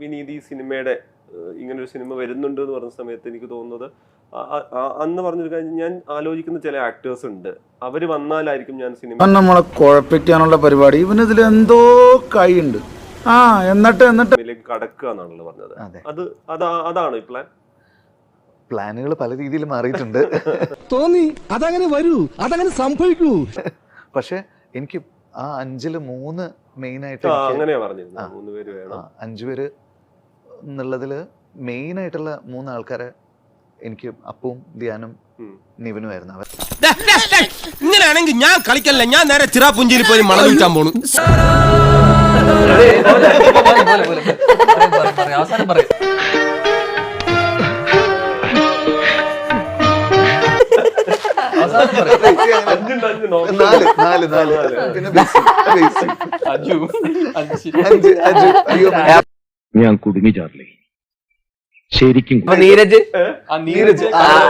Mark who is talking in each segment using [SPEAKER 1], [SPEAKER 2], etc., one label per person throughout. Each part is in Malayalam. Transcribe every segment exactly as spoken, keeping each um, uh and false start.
[SPEAKER 1] വിനീത് ഈ സിനിമയുടെ ഇങ്ങനൊരു സിനിമ വരുന്നുണ്ട് എന്ന് പറഞ്ഞ സമയത്ത് എനിക്ക് തോന്നുന്നത് അന്ന് പറഞ്ഞൊരു കാര്യം, ഞാൻ ആലോചിക്കുന്ന ചില ആക്ടേഴ്സ് ഉണ്ട്, അവര് വന്നാലായിരിക്കും ഞാൻ സിനിമ
[SPEAKER 2] നമ്മളെ കുഴപ്പിക്കാനുള്ള പരിപാടി, ഇവനിതിൽ എന്തോ കൈയുണ്ട്, ആ എന്നിട്ട് എന്നിട്ട്
[SPEAKER 1] കടക്കുക എന്നാണല്ലോ പറഞ്ഞത്. അത് അതാ അതാണ് ഈ പ്ലാൻ.
[SPEAKER 3] പ്ലാനുകൾ പല രീതിയിൽ മാറിയിട്ടുണ്ട്.
[SPEAKER 4] തോന്നി അതങ്ങനെ വരൂ, അതങ്ങനെ സംഭവിക്കൂ.
[SPEAKER 3] പക്ഷെ എനിക്ക് ആ അഞ്ചില് മൂന്ന് മെയിൻ ആയിട്ട്
[SPEAKER 1] അങ്ങനെയാ പറഞ്ഞിരുന്നത്, മൂന്ന് പേര് വേണം,
[SPEAKER 3] അഞ്ചു പേര് എന്നുള്ളതില് മെയിൻ ആയിട്ടുള്ള മൂന്ന് ആൾക്കാരെ എനിക്ക് അപ്പവും ധ്യാനും നിവിനും ആയിരുന്നു. അവർ
[SPEAKER 4] ഇങ്ങനെയാണെങ്കിൽ ഞാൻ കളിക്കല്ല, ഞാൻ നേരെ ചിറാപുഞ്ചിയിൽ പോയി മണം വിൽക്കാൻ പോണു.
[SPEAKER 5] ഞാൻ കുടുങ്ങി ചാർലി, ശരിക്കും.
[SPEAKER 6] നീരജ്
[SPEAKER 3] നീരജ്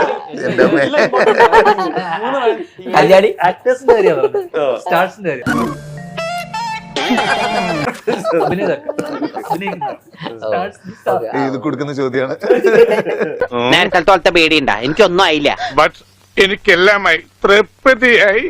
[SPEAKER 6] കല്യാണി ആക്ടേഴ്സിന്റെ കാര്യം, സ്റ്റാർസിന്റെ കാര്യം.
[SPEAKER 3] ഇത് കൊടുക്കുന്ന ചോദ്യമാണ്.
[SPEAKER 7] നേരത്തെ പേടിയുണ്ടാ? എനിക്കൊന്നും ആയില്ല.
[SPEAKER 5] എനിക്കെല്ലാമായി തൃപ്തിയായി.